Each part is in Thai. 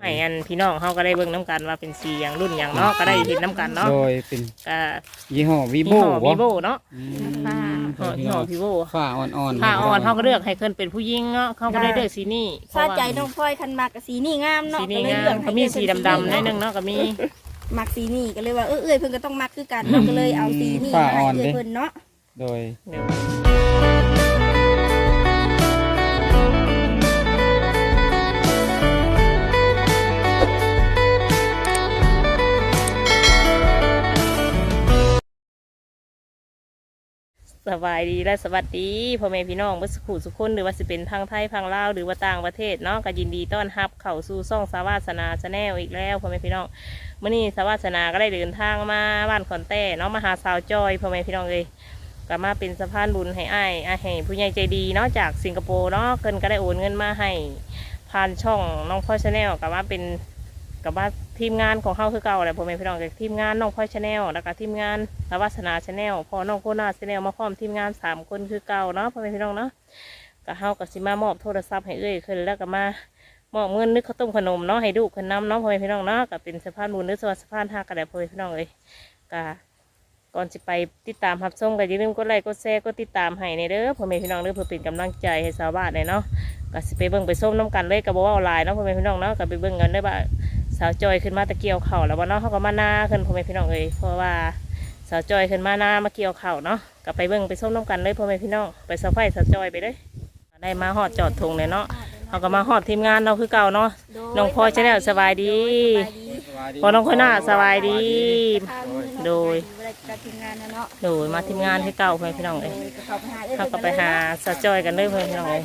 ให้อันพี่น้องเฮาก็ได้เบิ่งน้ำกันว่าเป็นสีอย่างรุ่นอย่างเนาะก็ได้เห็นน้ำกันเนาะโดยเป็นก็ยี่ห้อวีโบเนาะยี่ห้อวีโบฝ้าอ่อนๆผ้าอ่อนเฮาก็เลือกให้เพิ่นเป็นผู้หญิงเนาะเขาก็ได้เลือกสีนี้ซาใจน้องพลอยคันมักกับสีนี่งามเนาะสีนี้งามเขามีสีดำๆนิดนึงเนาะก็มีมักสีนี่ก็เลยว่าเอ้ยเพิ่นก็ต้องมักคือกันเนาะก็เลยเอาสีนี่มาให้เพิ่นเนาะโดยสบายดีและสวัสดีพ่อแม่พี่น้องเมื่อสักครู่สุขคนหรือว่าสิเป็นทางไทยทางลาวหรือว่าต่างประเทศเนาะก็ยินดีต้อนรับเข้าสู่ช่องสาวาสนาชาแนลอีกแล้วพ่อแม่พี่น้องเมื่อนี้สาวาสนาก็ได้เดินทางมาบ้านขอนแต้เนาะมาหาสาวจอยพ่อแม่พี่น้องเลยก็มาเป็นสะพานบุญให้ให้ผู้ใหญ่ใจดีเนาะจากสิงคโปร์เนาะเกินก็ได้โอนเงินมาให้ผ่านช่องน้องพ่อชาแนลกับว่าเป็นกับว่าทีมงานของเขาคือเก่าแหละพ่อแม่พี่น้องจากทีมงานน้องพ่อชาแนลแล้วก็ทีมงานสาวาสนาชาแนลพอน้องโคนาชาแนลมาพร้อมทีมงาน3 คนคือเก่าเนาะพ่อแม่พี่น้องเนาะก็เฮากับสิมามอบโทรศัพท์ให้เอ้ยขึ้นแล้วก็มามอบเงินนึกข้าวต้มขนมเนาะให้ดูขึ้นน้ำเนาะพ่อแม่พี่น้องเนาะก็เป็นสะพานบุญหรือสะพานท่ากระไดพ่อแม่พี่น้องเลยก็ก่อนจะไปติดตามรับชมก็อย่าลืมกดไลค์กดแชร์กดติดตามให้ในเด้อพ่อแม่พี่น้องเด้อเพื่อเป็นกำลังใจให้ชาวบ้านเลยเนาะก็สิไปเบิ่งไปส้มน้ำกันเลยกับบ่ว่าออนไลน์เนาะพ่อแม่พี่น้องเนาะก็ไปเบิ่งกันได้บ่าสาวจอยขึ้นมาตะเกียวเข่าแล้วว่าเนาะเขาก็มาหน้าขึ้นพ่อแม่พี่น้องเลยเพราะว่าสาวจอยขึ้นมาหน้ามาเกี่ยวเข่าเนาะก็ไปเบิ่งไปส้มน้ำกันเลยพ่อแม่พี่น้องไปสาวไฟสาวจอยไปเลยได้มาฮอดจอดทงเลยเนาะเขาก็มาฮอดทีมงานเราคือเก่าเนาะน้องพลอยชาแนลสบายดีพอน้องคนหน้าสบายดีโดยมาทีมงานที่เก่าพ่อแม่พี่น้องเลยเขาก็ไปหาสาวจอยกันเลยพ่อแม่พี่น้องเลย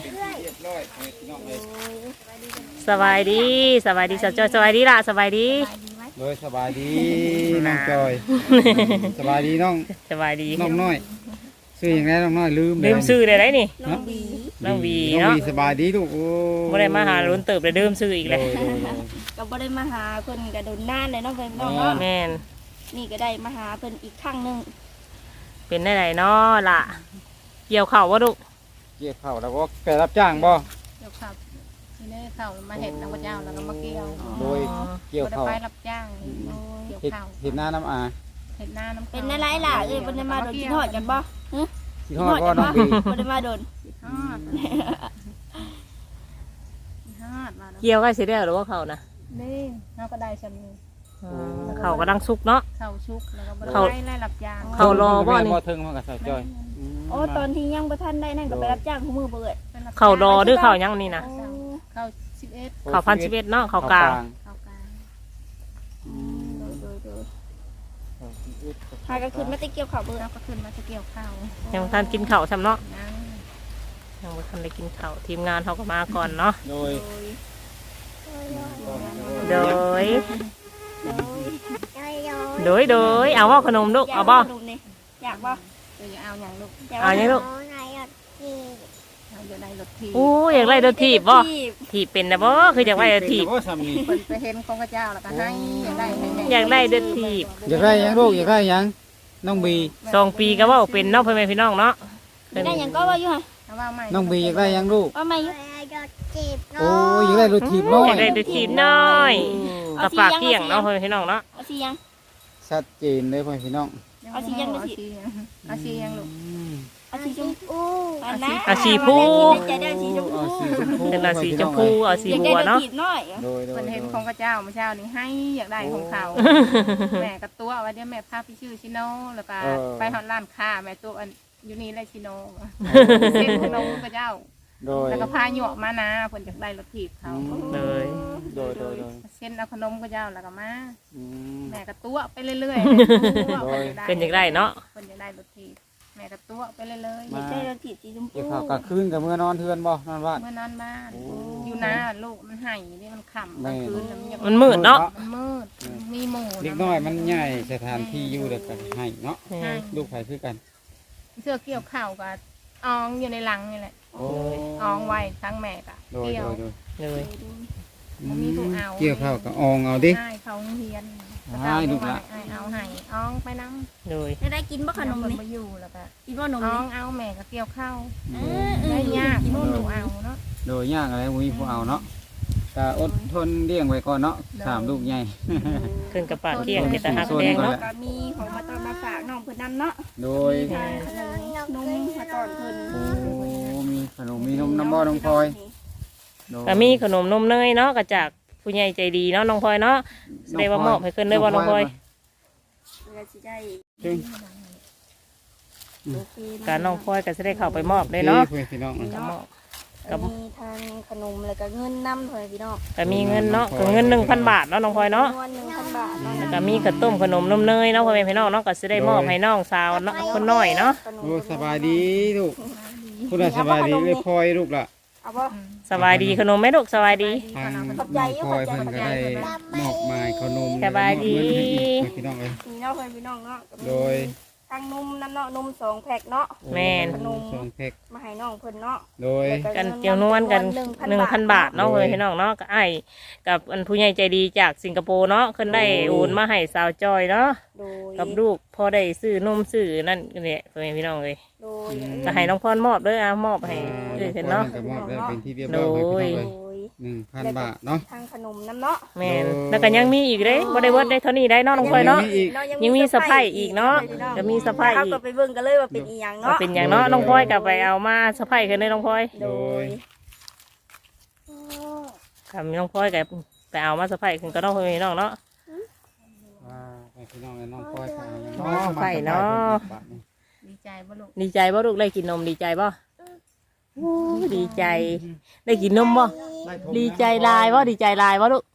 สบายดีสบายดีสาวจอยสบายดีล่ะสบายดีโดยสบายดีน้องจอยสบายดีน้องสบายดีน้องน้อยซื้ออย่างไรน้องน้อยลืมซื้อได้ไรนี่น้องวีเนาะสบายดีลูกโอ้ไม่ได้มาหาลุ้นเติบเลยซื้ออีกเลยก็บ่ได้มาหาเพิ่นก็โดนนานเลยเนาะเพิ่นเนาะแม่นนี่ก็ได้มาหาเพิ่นอีกครั้งนึงเป็นได้ไหนเนาะล่ะเกี่ยวเข่าบ่ลูกเกี่ยวเข่าแล้วก็ไปรับจ้างบ่เกี่ยวข้าวที่ได้ข้าวมาเห็ดน้ำกระเจ้าแล้วก็มาเกี่ยวโดยเกี่ยวข้าวไปรับจ้างเกี่ยวข้าวเห็ดหน้าน้ำอาเห็ดหน้าน้ำเป็นอะไรล่ะบ่ได้มาโดนกินฮอดกันบ่กินฮอดบ่น้องปีบ่ได้มาโดนฮอดเกี่ยวก็สิได้หรือว่าเขานะนี่เราก็ได้ฉันเขาก็ดังสุกเนาะเขาชุกแล้วก็ไล่รับจ้างเขารอบ่นี่บ่ถึงมากับสาวจอยโอ้ตอนที่ยังบ่ทันได้นั่นก็ไปรับจ้างคู่มือเบิดเขารอหรือเขายังนี่นะเขา11 เขา1,011เนาะเขากลางหาก็ขึ้นมาตะเกียวข้าวเบิดก็ขึ้นมาตะเกียวข้าวยังท่านกินข้าวซ้ำเนาะยังไม่ทันได้กินข้าวทีมงานเขาก็มาก่อนเนาะโดยเอาว่าขนมลูกเอาบ่อยากบ่เอาอย่างลูกเอาอย่างลูกอยากได้รถถีบโอ้อยากได้รถถีบบ่ถีบเป็นนะบ่คืออยากได้รถถีบไปเห็นของพระเจ้าแล้วก็ให้อยากได้รถถีบอยากได้ยังลูกอยากได้ยังน้องบี 2 ปีก็ว่าเป็นน้องพ่อแม่พี่น้องเนาะได้ยังก็ว่าอยู่ฮะน้องบีอยากได้ยังลูกว่าไม่โอ้อยากได้รถถีบน้อยอยากได้รถถีบน้อยกับปากเกี่ยงเนาะพ่อแม่พี่น้องเนาะเอาสียังชัดเจนเลยพ่อพี่น้องเอาสียังเอาสียังลูกเอาสีชมพูเอาสีพูจะได้สีชมพูเป็นเอาสีชมพูเอาสีบัวเนาะคนเห็นของพระเจ้าเมื่อเช้านี้ให้อยากได้ของเขาแม่กับตัวว่าเดี๋ยวแม่พาพี่ชื่อชิโนแล้วก็ไปหอดร้านค้าแม่ตัวอยู่นี่เลยชิโนเส้นขนมพระเจ้าแล้วก็พาหยวกมานะผลจากได้รถถีบเขาเลยเส้นเอาขนมพระเจ้าแล้วก็มาแม่กับตัวไปเรื่อยๆเป็นอย่างไรเนาะผลจากได้รถถีบแม่กับตัวไปเรื่อยๆได้รถถีบสีชมพูกลางคืนกับเมื่อนอนเทือนบ่นอนบ้านเมื่อนอนบ้านอยู่นาลูกมันหายนี่มันขำกลางคืนมันมืดเนาะมันมืดมีหมูเล็กน้อยมันใหญ่สถานที่อยู่เด็กกันให้เนาะลูกไผ่คือกันเสื้อเกี่ยวข้าวกับอองอยู่ในหลังนี่แหละอองไว้ทั้งแม่กับเกี่ยวเลยมีผู้เอาเกี่ยวข้าวกับอองเอาดิใช่เขาเฮียนให้ลูกละเอาให้อองไปน้ำเลยได้กินบ่ขนมนี่มาอยู่แล้วก็กินบ่นมอองเอาแม่กับเกี่ยวข้าวได้ยากนู่นหนูเอาเนาะโดยยากอะไรมีผู้เอาเนาะก็อดทนเลี้ยงไว้ก่อนเนาะสามลูกใหญ่ขึ้นกับปากเที่ยงเป็นตาหักแดงเนาะก็มีของมาตอนมาฝากน้องเพิ่นนำเนาะโดยทางขนมนมมาตอนเพิ่นโอ้มีขนมมีนมน้ำบ่อน้องพลอยโดยก็มีขนมนมเนยเนาะก็จากผู้ใหญ่ใจดีเนาะน้องพลอยเนาะได้ว่ามอบให้ขึ้นได้ว่าน้องพลอยเพื่อสิได้จึงโอเคการน้องพลอยก็จะได้เข้าไปมอบเลยเนาะพี่น้องก็มอบก็มีทางขนมแล้วก็เงินนำเพิ่นพี่น้องก็มีเงินเนาะก็เงิน 1,000 บาทเนาะน้องพลอยเนาะจำนวน 1,000 บาทเนาะแล้วก็มีข้าวต้มขนมนมเนยเนาะพ่อแม่พี่น้องเนาะก็จะได้มอบให้น้องสาวเนาะคนน้อยเนาะขนมโอ้สบายดีลูกคุณน่ะสบายดีเลยพลอยลูกล่ะเอาบ่สบายดีขนมไหมลูกสบายดีทางน้องพลอยเพิ่นก็ได้มอบหมายขนมสบายดีให้พี่น้องเลยมีเนาะเพิ่นพี่น้องเนาะก็มีโดยทางนมนำเนาะนม2แพ็คเนาะแม่นสองแพ็คมาให้น้องเพิ่นเนาะโดยกันเจียวนวลกัน 1,000 บาทเนาะพ่อแม่พี่น้องเนาะก็ไอ้กับอันผู้ใหญ่ใจดีจากสิงคโปร์เนาะเพิ่นได้โอนมาให้สาวจอยเนาะโดยกับลูกพอได้ซื้อนมซื้อนั่นเนี่ยพ่อแม่พี่น้องเลยโดยก็ให้น้องพรมอบเด้อมอบให้เพิ่นเนาะก็มอบได้เป็นที่เรียบร้อยให้พี่น้องเลยโดย 1,000 บาทเนาะทางขนมน้ำเนาะแม่นแล้วก็ยังมีอีกเด้บ่ได้เบิดได้เท่านี้ได้เนาะน้องพลอยเนาะ ยังมีสะใภ้อีกเนาะจะมีสะใภ้อีกเขาก็ไปเบิ่งกันเลยว่าเป็นอีหยังว่าเนาะเป็นอย่างเนาะน้องพลอยกลับไปเอามาสะพายขึ้นเลยน้องพลอยโดยกับน้องพลอยกับไปเอามาสะพายขึ้นก็น้องพลอยน้องเนาะว่าให้พี่น้องและน้องพลอยค่ะน้องพลอยเนาะดีใจบ่ลูกดีใจบ่ลูกได้กินนมดีใจบ่โอ้ดีใจ ได้กินนมบ่ดีใจลายบ่ดีใจลายบ่ลูก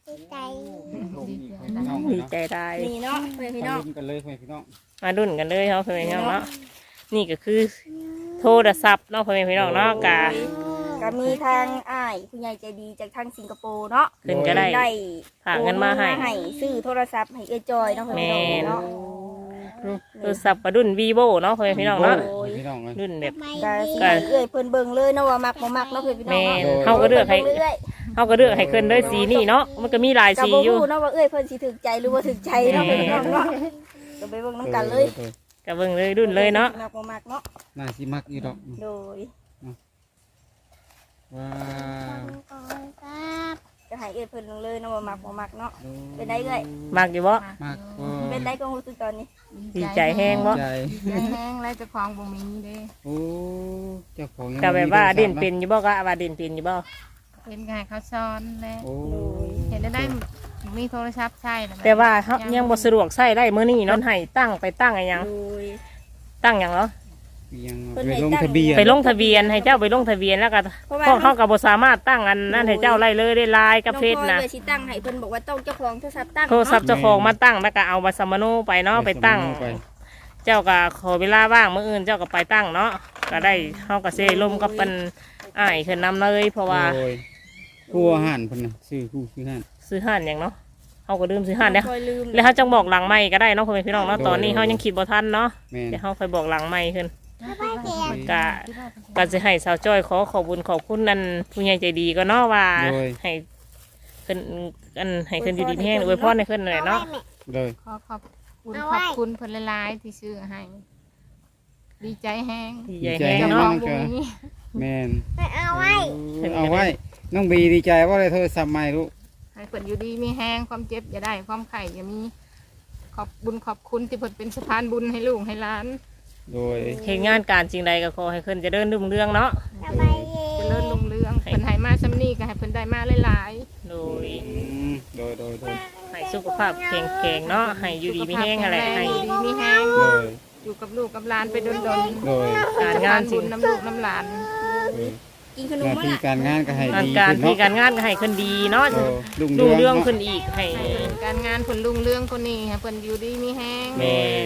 ดีใจลายนี่เนาะเพื่อนพี่น้องลุ้นกันเลยเพื่อนพี่น้องมาดุนกันเลยเนาะเพื่อนพี่น้องเนาะนี่ก็คือโทรศัพท์เนาะเพื่อนพี่น้องเนาะกะก็มีทางอ้ายผู้ใหญ่ใจดีจากทางสิงคโปร์เนาะขึ้นก็ได้ได้ฝากเงินมาให้ซื้อโทรศัพท์ให้เอ้ยจอยเนาะเพื่อนพี่น้องเนาะโทรศัพท์ประดุนวีโวเนาะเพื่อนพี่น้องเนาะพี่น้องเลยรุ่นแบบก็สิให้เอ้ยเพิ่นเบิ่งเลยเนาะว่ามักบ่มักเนาะเพื่อนพี่น้องแม่เนาะนเฮาก็เลือกให้บิ่งรื่ยเขาก็เลือกให้ขึ้นด้วยสีนี่เนาะมันก็มีหลายๆก็สีบ่อยู่ฮู้เนาะว่าเอ้ยเพิ่นสิถูกใจหรือบ่ถูกใจเนาะเพื่อนพี่น้องเนาะก็ไปเบิ่งนํกันเลยก็เบิ่งเลยรุ่นเลยเนาะมักบ่มักเนาะน่าสิมักอยู่ดอกโดยว้าวก็ให้เอ้ยเพิ่นเลยเนาะว่ามักบ่มักเนาะเป็นได้เอ้ยมักอยู่บ่มักบ่เป็นได้ก็รู้สึกตอนนี้ดีใจแห้งบ่ใจใจแห้งแล้วเจะคลองบ่มีเด้โอ้เจ้าของยังก็แบบว่ามีโทรศัพท์เด่นเป็นอยู่บ่ก็ว่าเด่นเป็นอยู่บ่เป็นไงเขาซ้อนแล้วโอ้เห็นได้มีโทรศัพท์ใช่นะแต่ว่าเฮายังบ่สะดวกใช้ได้มื้อนี้เนาะให้ตั้งไปตั้งอะไรหยังโดยตั้งหยังเหรอยังเพิ่นไปให้ลงตั้งทะเบียนไปลงทะเบียนให้เจ้าไปลงทะเบียนแล้วก็เพราะว่าพวกเฮาก็บ่สามารถตั้งอันนั้นให้เจ้าไล่เลยได้ลายกับเฟซน้องพลอยนะเลยสิตั้งให้เพิ่นบอกว่าต้องเจ้าของโทรศัพท์ตั้งโทรศัพท์เจ้าของมาตั้งแล้วก็เอาบัตรสมโนไปเนาะไปตั้งไปเจ้าก็ขอเวลาว่างมื้ออื่นเจ้าก็ไปตั้งเนาะก็ได้เฮาก็สิร่วมกับเป็นอ้ายขึ้นนำเลยเพราะว่าโอ้ยผู้อาหารเพิ่นน่ะซื้อผู้ซื้ออาหารซื้อห่านหยังเนาะเฮาก็ลืมซื้อห่านเด้อน้องพลอยลืมแล้วเขาจังบอกหลังไม่ก็ได้เนาะพ่อแม่พี่น้องเนาะตอนนี้เขายังคิดบ่ทันเนาะแม่นเดี๋ยวเขาค่อยบอกหลังไม่ขึ้นก็จะให้สาวจ้อยขอขอบคุญขอบคุณนั่นผู้ใหญ่ใจดีก็เนาะว่าให้ขึ้นอันให้ขึ้นอยู่ดีแห้งอวยพรให้ขึ้นหน่อยเนาะเลยขอบคุณเพิ่นหลายๆที่ซื้อให้ ดีใจแห้งดีใจแห้งเจ้าขอเนาะงบ่มีแม่นเอาไว้เอาไว้น้องบีดีใจว่าได้โทรศัพท์ใหม่ลูกให้เพิ่นอยู่ดีมีแห้งความเจ็บอย่าได้ความไข้อย่ามีขอบบุญขอบคุณที่เพิ่นเป็นสะพานบุญให้ลูกให้หลานโดยเหตุงานการจริงใดก็ขอให้ขึ้นเจะเดินรุ่งเรื่องเนาะเจริญรุ่งเรืองเพิ่นให้มาซ้ำนี้ก็ให้เพิ่นได้มาหลายโดยโดยให้สุขภาพแข็งแรงเนาะให้อยู่ดีมีแห้งอะไรให้อยู่ดีมีแห้งโดยอยู่กับลูกกับหลานไปดนโดยๆการงานบุญน้ำลูกน้ำหลานกินขนหมน้ามั้งที่ล่ะการงานก็ให้งานดีการขึ้นที่เนาะการงานก็ให้ขึ้นดีเนาะรุ่งรุ่งเรื่องเนาะขึ้นอีกให้การงานเพิ่นรุ่งเรืองคนนี้ให้เพิ่นอยู่ดีมีแห้งแม่น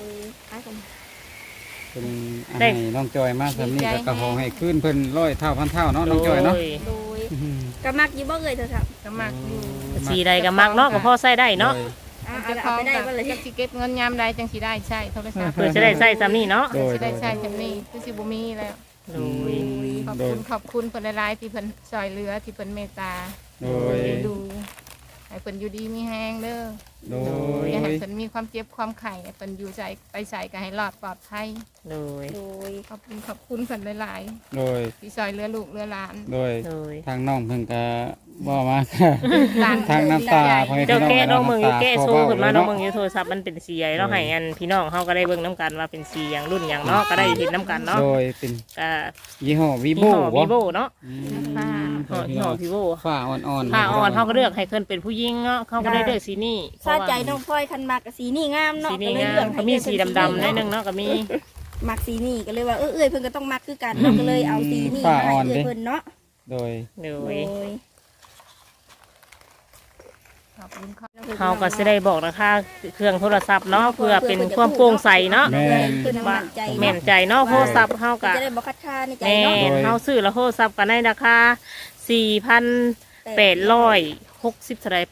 เป็นให้น้องจอยมาสำนี้ก็กระหองให้ขึ้นเพิ่น100 เท่าพันเท่าเนาะน้องจอยเนาะโดโดยกะมักอยู่บ่เอ่ยโทรศัพท์ก็มักอยู่สีใดก็มักเนาะก็พอใส่ได้เนาะอ่ะจะคเอาล้องไปได้กับบ่เลยจักสิเก็บเงินยามใดจังสิได้ใช่โทรศัพท์เพื่อจะได้ใส่ซ้ำนี่เนาะโดยสิได้ใช่จำนี้คือสิบ่มีแล้วโดยขอบคุณเพิ่นหลายๆที่เพิ่นช่วยเหลือที่เพิ่นเมตตาโดยเลี้ยงดูให้เพิ่นอยู่ดีมีแห้งเด้อโดยอย่าให้เพิ่นมีความเจ็บความไข้ให้เพิ่นอยู่ใจไปใส่ก็ให้รอดปลอดภัยโดยโดยขอบคุณเพิ่นหลายโดยๆที่ช่วยเหลือลูกเหลือหลานโดยโดยทางน้องเพิ่นก็บ่มาค่ะทางน้ำตาพ่อแม่เจ้าพี่น้องแก้น้องเมืองอยู่แก้โซ่ขึ้นมาน้องเนาะเมืองอยู่โทรศัพท์มันเป็นสีใหญ่เราให้อันพี่น้องเขาก็ได้เบิ่งน้ำกันว่าเป็นสีอย่างรุ่นอย่างเนาะก็ได้เห็นน้ำกันเนาะโดยเป็นก็ยี่ห้อวียี่โบห้อวีโบเนาะพี่ยี่น้ห้ออง วีโบฝ้าอ่อนๆผ้าอ่อนเขาก็เลือกให้เพิ่นเป็นผู้หญิงเนาะเขาก็ได้เลือกสีนี้ซาใจน้องพลอยคันมักกับสีนี่งามเนาะสีนี้งามเขามีสีดำๆนิดนึงเนาะก็มีมักสีนี่ก็เลยว่าเอ้ยเพิ่นก็ต้องมักคือกันเนาะก็เลยเอาสีนี่มาให้เพิ่นเนาะโดยโดโดยยขอบคุณค่ะเขาก็จะได้บอกราคาเครื่องโทรศัพท์เนาะเพื่อเป็นความโปร่งใสเนาะแม่นเพิ่นมั่นใจแม่นใจเนาะโทรศัพท์เขาก็จะได้บ่คัดค้านในใจแม่เนาะนเขาซื้อแล้วโทรศัพท์กันในราคา4,860เท่าไหร่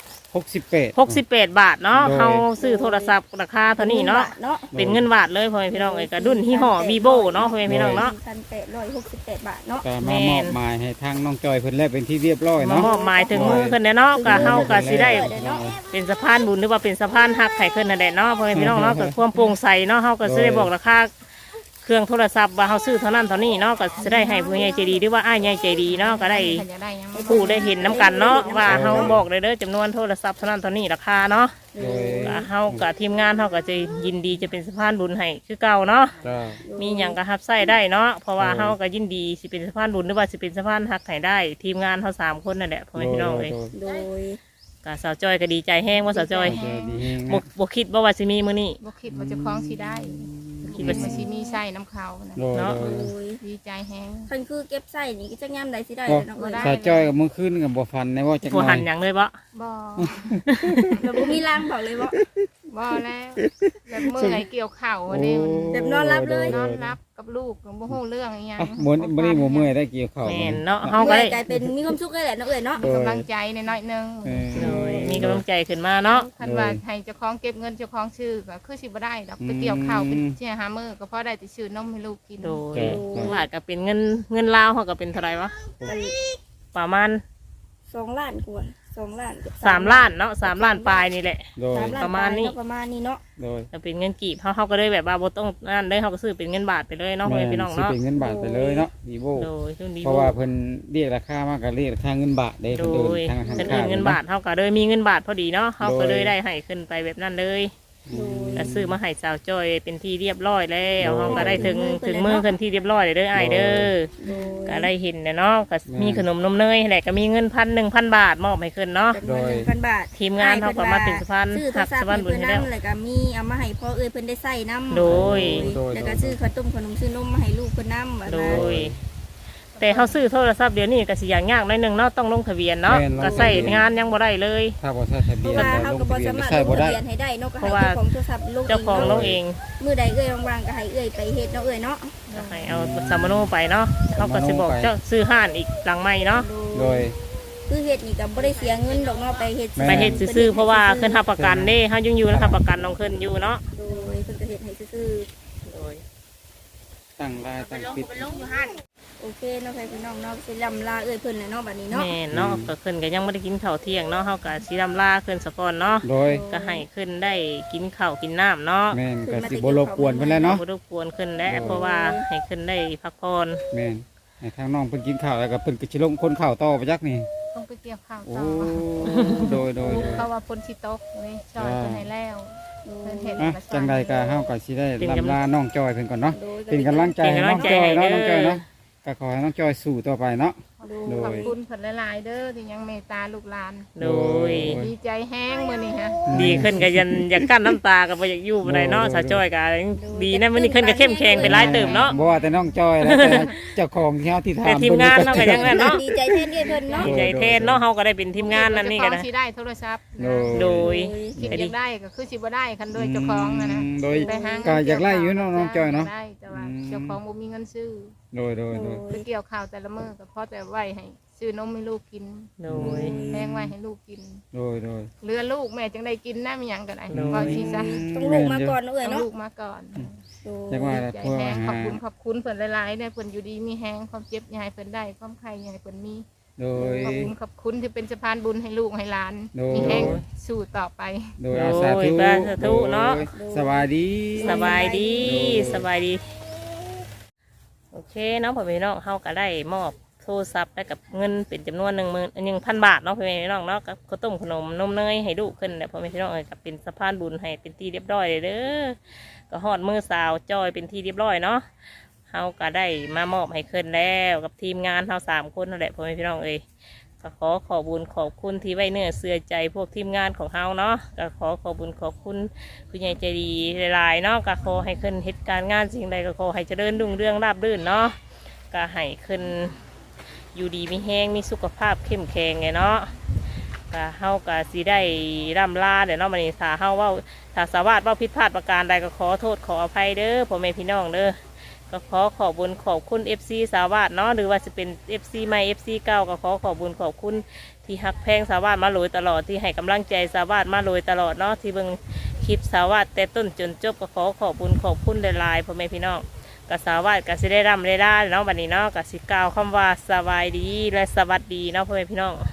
68 บาทเนาะโดยเขาซื้อโทรศัพท์ราคาเท่านี้เนาะ เป็นเงินบาทเลยพ่อแม่พี่น้องเอ้ยก็รุ่นที่ห่อวีโบเนาะพ่อแม่พี่น้องเนาะ 1,868 บาทเนาะก็มามอบหมายให้ทางน้องจอยเพิ่นแล้วเป็นที่เรียบร้อยมาเนาะมอบหมายถึงมือขึ้นเนาะก็เฮาก็สิได้เป็นสะพานบุญหรือว่าเป็นสะพานหักไข่ขึ้นนั่นแหละเนาะพ่อแม่พี่น้องเนาะก็ความโปร่งใสเนาะเฮาก็สิได้บอกราคาเครื่องโทรศัพท์ว่าเฮาซื้อเท่านั้นเท่านี้เนาะก็สิได้ให้ผู้ใหญ่ใจดีหรือว่าอ้ายใหญ่ใจดีเนาะก็ได้ฉันจะได้ยังไม่ผู้ได้เห็นน้ำกันเนาะว่าเฮาบอกเลยเด้อจำนวนโทรศัพท์เท่านั้นเท่านี้ราคาเนาะโดยก็เฮากับทีมงานเฮาก็จะยินดีจะเป็นสะพานบุญให้คือเก่าเนาะก็มีหยังก็รับใช้ได้เนาะเพราะว่าเฮาก็ยินดีสิเป็นสะพานบุญหรือว่าสิเป็นสะพานหักให้ได้ ทีมงานเฮา3 คนนั่นแหละพ่อแม่พี่น้องเลยโดยก็สาวจอยก็ดีใจแห้งว่าสาวจอยดีแฮงบ่นะบ่คิดว่าสิมีมื้อนี้บ่คิดว่าเจะคล้าของสิได้คิคิดดว่าว่าสิมีใส่น้ำเขานะโดยเนาะโดยโดยดีใจแฮงคันคือเก็บใส่นี่ก็จะยามใดสิได้ก็เนาะเอ้ยได้สาวจ้อยกับมื้อคืนกับบ่ฟันในว่าจักหบ่น่อหัยนหยังเลยบ่บ่แล้วบ่มีรางบอกเลยว่าบ่แล้วแบบเมื่อยเกี่ยวเข่าวันนี้แบบนอนรับเลยนอนรับกับลูกบ่ฮู้เรื่องอีหยังอ่ะบ่บ่ได้บ่เมื่อยได้เกี่ยวข้าวแม่นเนาะเฮาก็เมื่อยได้กลายเป็นมีความสุขเลยแหละเนาะเอ้ยเนาะโดยกำลังใจในน้อยๆนึงเออโดยมีกำลังใจขึ้นมาเนาะคันว่าให้เจ้าของเก็บเงินเจ้าของชื่อก็คือสิบ่ได้ดอกไปเกี่ยวข้าวเป็นเชี่ยหามื้อก็พอได้แต่ชื่อนมให้ลูกกินโดยบาทก็เป็นเงินลาวเฮาก็เป็นเท่าไหร่วะกันประมาณ 2 ล้านกว่า2 ล้านเกือบ 3 ล้านเนาะ3 ล้านปลายนี่แหละโดย 3ล้านประมาณนี้ประมาณนี้เนาะโดยจะเป็นเงินกีบเขาก็เลยแบบว่าบ่ต้องนั่นเลยเขาก็ซื้อเป็นเงินบาทไปเลยเนาะพ่อแม่พี่น้องสิเนาะเป็นเงินบาทไปเลยเนาะดีโบโดยช่วงนี้เพราะว่าเพิ่นเรียกราคามากก็เรียกราคาเงินบาทเด้โดเพิ่นเดิยนทางธนาเป็นคารเงินบาทเขาก็เลยมีเงินบาทพอดีเนาะเขาก็โดยเลยได้ให้ขึ้นไปแบบนั้นเลยโดยแล้วซื้อมาให้สาวจอยเป็นที่เรียบร้อยแล้วโดยเขาก็ได้ถึงมือขึ้นที่เรียบร้อยเลยเด้ออ้ายเด้อโดยก็ได้เห็นเนาะก็มีขนมนมเนยแหละก็มีเงิน1,000 บาทมอบให้ขึ้นเนาะจำนวน1,000 บาททีมงานเขาก็มาเป็นสะพานซื้อโทรหักศัพสะท์พานบุญให้ให้เพิ่นแล้วนำแล้วก็มีเอามาให้พ่อเอ้ยเพิ่นได้ใส่น้ำโดยแล้วก็ซื้อข้าวต้มขนมซื้อนมมาให้ลูกเพิ่นนำโดย แต่เขาซื้อโทรศัพท์เดี๋ยวนี้ก็สิอย่างยากหน่อยหนึงเนาะต้องลงทะเบียนเนาะก็ใส่งานยังบ่ได้เลยถ้าบ่ใช้ทะเพเบียราะนว่าก็เฮาลงก็บ่ทะเบียนสามารถใช้ลบ่งได้ทะเบียนให้ได้เนาะก็เพให้ราะว่าเจ้าของโทรศัพท์ลงเจ้าของลงเองมื้อใดเอ้ยว่างๆก็ให้เอ้ยไปเฮ็ดเนาะเอ้ยเนาะก็ให้เอาสามโนไปเนาะเขาก็สิบอกเจ้าซื้อห้านอีกหลังใหม่เนาะโดยคือเฮ็ดนี่ก็บ่ได้เสียเงินดอกเนาะไปเฮ็ดแม่ไปเฮ็ดซื้อๆเพราะว่าขึ้นทับประกันเด้เขายังอยู่นะครับประกันน้องขึ้นอยู่เนาะโดยเพิ่นก็เฮ็ดให้ซื่อโดยตั้งรายตั้งปิดๆโอเคเนาะพี่น้องเนาะสิลำลาเอ้ยเพิ่นน่ะเนาะบัดนี้เนาะแม่นเนาะก็ขึ้นก็ยังไม่ได้กินข้าวเที่ยงเนาะเขาก็สิรำลาขึ้นสะก่อนเนาะโดยก็ให้ขึ้นได้กินข้าวกินน้ำเนาะแม่นก็สิบ่รบกวนเพิ่นแล้วเนาะบ่รบกวนขึ้นแล้วเพราะว่าให้ขึ้นได้พักผ่อนแม่นให้ทางน้องเพิ่นกินข้าวแล้วก็เพิ่นก็สิลงคนข้าวต่อไปจักนี่ต้องไปเกี่ยวข้าวโอ้ต่อโดยเพราะว่าฝนสิตกเลยช่วยเพิ่นให้แล้วเพิ่นเฮ็ดอ่ะมาจังใดก็เฮาก็สิได้ลำลาน้องจอยเพิ่นก่อนเนาะโดยเป็นกำลังใจให้น้องจอยเนาะน้องจอยเนาะก็ขอให้น้องจอยสู้ต่อไปเนาะ โดยขอบคุณเพิ่นหลายๆเด้อที่ยังเมตตาลูกหลานโดยดีใจแห้งมื้อนี้ฮะดีขึ้นก็ยันอยากกั้นน้ำตาก็บ่อยากอยู่บ่ได้เนาะสาวจ้อยก็ดีนะมื้อนี้ขึ้นก็เข้มแข็งไปหลายเติมเนาะบ่ว่าแต่น้องจอยแล้วแต่เจ้าของที่เฮาที่ถามแต่ทีมงานเนาะก็ยังนั่นเนาะดีใจแทนเอ้ยเพิ่นเนาะดีใจแทนเนาะเฮาก็ได้เป็นทีมงานนั่นนี่ก็เจ้าขได้องสิได้โทรศัพท์โดนะยโดยคิดอยากได้ก็คือสิบ่ได้คันโดยเจ้าของนะโดยไปหาเงินก็อยากไล่อยู่เนาะน้องจอยเนาะได้แต่ว่าเจ้าของบ่มีเงินซื้อโดยไปเกี่ยวข้าวแต่ละมื้อก็พอแต่ไว้ให้ซื้อนมให้ลูกกินโดยแพงไว้ให้ลูกกินโดยเหลือลูกแม่จังได้กินนะมีหยังก็ได้โดยก็สิซะต้องลูกมาก่อนเนาะเอ้ยต้องเนาะลูกมาก่อนโดยจังว่าใจพวกแห้งหาขอบคุณเพิ่นหลายๆได้เพิ่นอยู่ดีมีแห้งความเจ็บอย่าให้เพิ่นได้ความไข้อย่าให้เพิ่นมีโดยขอบคุณที่เป็นสะพานบุญให้ลูกให้หลานโดยมีแห้งสู้ต่อไปโดยอาสาธุโดยสาธุเนาะโดยสบายดีสบายดีโดยสบายดี โอเคเนาะพ่อแม่พี่น้องเฮาก็ได้มอบโทรศัพท์และกับเงินเป็นจำนวน1,000 บาทเนาะพ่อแม่พี่น้องเนาะกับข้าวต้มขนมนมเนยให้ลูกขึ้นแหละพ่อแม่พี่น้องกับเป็นสะพานบุญให้เป็นที่เรียบร้อยเลยเด้อก็ฮอดมือสาวจอยเป็นที่เรียบร้อยเนาะเฮาก็ได้มามอบให้ขึ้นแล้วกับทีมงานเฮา3 คนนั่นแหละพ่อแม่พี่น้องก็ขอบุญขอบคุณที่ไว้เนื้อเสื่อใจพวกทีมงานของเฮาเนาะก็ขอบุญขอบคุณผู้ใหญ่ใจดีหลายๆเนาะก็ขอให้ขึ้นเหตุการณ์งานสิ่งใดก็ขอให้เจริญรุ่งเรืองราบรื่นเนาะก็ให้ขึ้นอยู่ดีมีแห้งมีสุขภาพเข้มแข็งไงเนาะก็เฮาก็สิได้ร่ำลาเดี๋ยวเนาะมันนี่ถ้าเฮาเว่าถ้าสาวาสว่าผิดพลาดประการใดก็ขอโทษขออภัยเด้อพ่อแม่พี่น้องเด้อก็ขอบุญขอบคุณ FC สาวาสเนาะหรือว่าจะเป็น FC ใหม่ FC เก่าก็ขอบุญขอบคุณที่ฮักแพงสาวาสมาโรยตลอดที่ให้กำลังใจสาวาสมาโรยตลอดเนาะที่เบิ่งคลิปสาวาสแต่ต้นจนจบก็ขอบุญขอบคุณหลายๆพ่อแม่พี่น้องก็สาวาสก็สิได้ร่ำได้เนาะบัดนี้เนาะก็สิกล่าวคำว่าสบายดีและสวัสดีเนาะพ่อแม่พี่น้อง